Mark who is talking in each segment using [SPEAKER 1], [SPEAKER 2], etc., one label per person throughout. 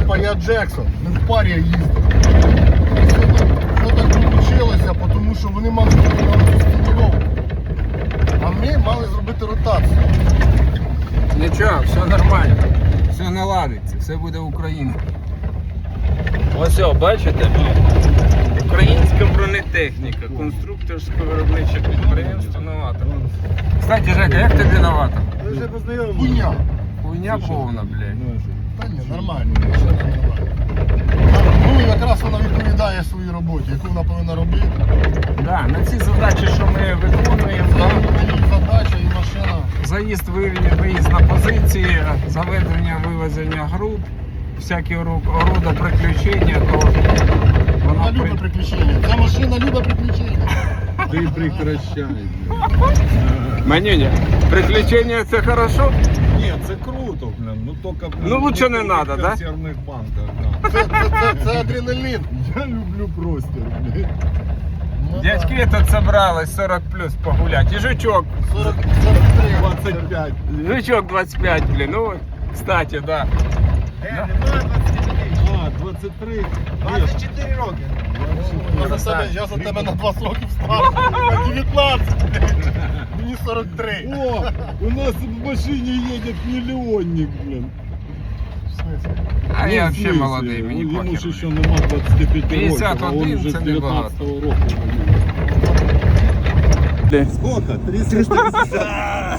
[SPEAKER 1] Типа я Джексон, ми в парі їздили. Що так вийшло, тому що вони мали зробити тренування. А ми мали зробити ротацію.
[SPEAKER 2] Нічого, все нормально. Все наладиться, все буде Україна. Ось, бачите? Українська бронетехніка, конструкторсько-виробниче підприємство «Новатор». Кстати, Жека, як тобі «Новатор»?
[SPEAKER 1] Ми вже познайомилися. Хуйня.
[SPEAKER 2] Хуйня повна, блядь.
[SPEAKER 1] Та ні, нормально. Ну, якраз вона відповідає своїй роботі, яку вона повинна робити.
[SPEAKER 2] Да, на ці задачі, що ми виконуємо, да?
[SPEAKER 1] Задача і машина.
[SPEAKER 2] Заїзд, виїзд на позиції, заведення, вивезення груп, всякі рода приключення, то
[SPEAKER 1] Вона любить приключення. Ця машина любить приключення.
[SPEAKER 3] Ти прекращай.
[SPEAKER 2] Манюня, приключення це хорошо?
[SPEAKER 3] Ні, це круто, блин. Ну тільки
[SPEAKER 2] Ну, лучше не надо, да?
[SPEAKER 3] В консервних банках, да.
[SPEAKER 1] Це адреналін.
[SPEAKER 3] Я люблю простір, блин.
[SPEAKER 1] Ну,
[SPEAKER 2] Дядьки тут собрались 40 плюс погулять. І жучок.
[SPEAKER 1] 43.
[SPEAKER 3] 25.
[SPEAKER 2] Жучок 25, блін. Ну, кстати, да.
[SPEAKER 3] А, 23.
[SPEAKER 4] 24 роки.
[SPEAKER 1] Я за тебе на 20 років старший. На 19. Мені 43.
[SPEAKER 3] О, у нас в машині їде мільйонник, блин.
[SPEAKER 1] В смысле?
[SPEAKER 2] А
[SPEAKER 3] Ну,
[SPEAKER 2] я
[SPEAKER 3] в
[SPEAKER 2] взагалі
[SPEAKER 3] смысле?
[SPEAKER 2] молодий, мені
[SPEAKER 3] Йому ж
[SPEAKER 2] похер.
[SPEAKER 3] ще нема 25 років,
[SPEAKER 2] 51
[SPEAKER 3] а він вже з
[SPEAKER 2] це небагато.
[SPEAKER 3] 19-го року. Сколько? 350.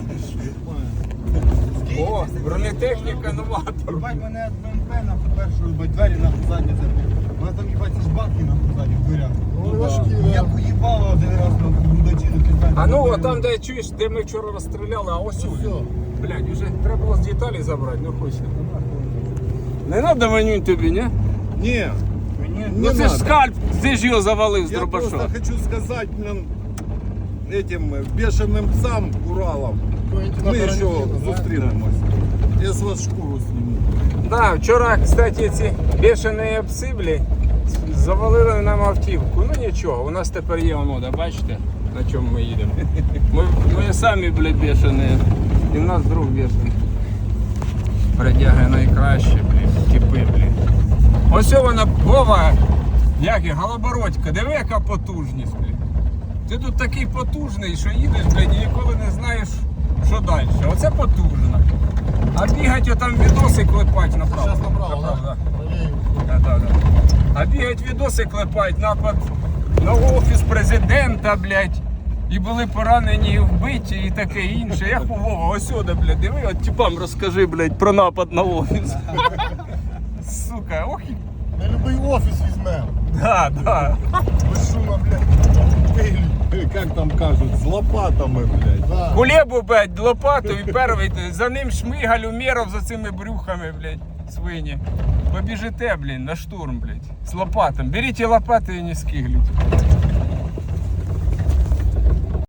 [SPEAKER 2] О, бронетехніка «Новатор».
[SPEAKER 4] Бать мене БМП на першу, двері на задні забив. Вона там їбать ці ж бабки на задні в дверях.
[SPEAKER 1] Ну, важкі,
[SPEAKER 4] Я
[SPEAKER 1] да.
[SPEAKER 4] поїбала один раз на бундачі на кілька.
[SPEAKER 2] А ну, от там, де чуєш, де ми вчора розстріляли, а ось
[SPEAKER 1] Все.
[SPEAKER 2] Блядь, вже треба було з деталі забрати, ну хочеться. Не треба, Манюнь, тобі, ні?
[SPEAKER 3] Ні,
[SPEAKER 2] Ну це ж скальп, ти ж його завалив з
[SPEAKER 3] я
[SPEAKER 2] дробаша.
[SPEAKER 3] просто хочу сказать, блин, этим бешеным псам Уралом.
[SPEAKER 1] Квентина
[SPEAKER 3] Ми ще
[SPEAKER 1] Тарантино, да?
[SPEAKER 3] зустрінемось. Я з вас шкуру зніму.
[SPEAKER 2] Да, вчора, кстати, ці бешені пси, блядь, завалили нам автівку. Ну нічого, у нас тепер є онода, бачите, на чому ми їдемо. Ми самі, блядь, бешені. І в нас друг бешений. Бродяги найкраще, блядь, типи, блядь. Ось вона, Вова, як і, Голобородька, диви, яка потужність, блядь. Ти тут такий потужний, що їдеш, блядь, і ніколи не знаєш, що далі. Оце потужно. А бігать отам відоси клепать направо.
[SPEAKER 1] Зараз направо,
[SPEAKER 2] Направо,
[SPEAKER 1] да?
[SPEAKER 2] да. Да. А бігать відоси клепать, напад на офіс президента, блядь. І були поранені, і вбиті, і таке інше. Я Вова, ось сюди, блядь, диви, от типам розкажи, блядь, про напад на офіс. Сука, ох і...
[SPEAKER 1] На любий офіс візьмемо.
[SPEAKER 2] Да.
[SPEAKER 1] Без шума, блядь. Виглядь.
[SPEAKER 3] Как там кажуть, з лопатами, блядь.
[SPEAKER 1] Да.
[SPEAKER 2] Кулебу, блядь, лопату і перший, за ним Шмигаль, Умєров за цими брюхами, блядь, свині. Побіжите, блядь, на штурм, блядь, з лопатом. Беріть лопати і не скигліть.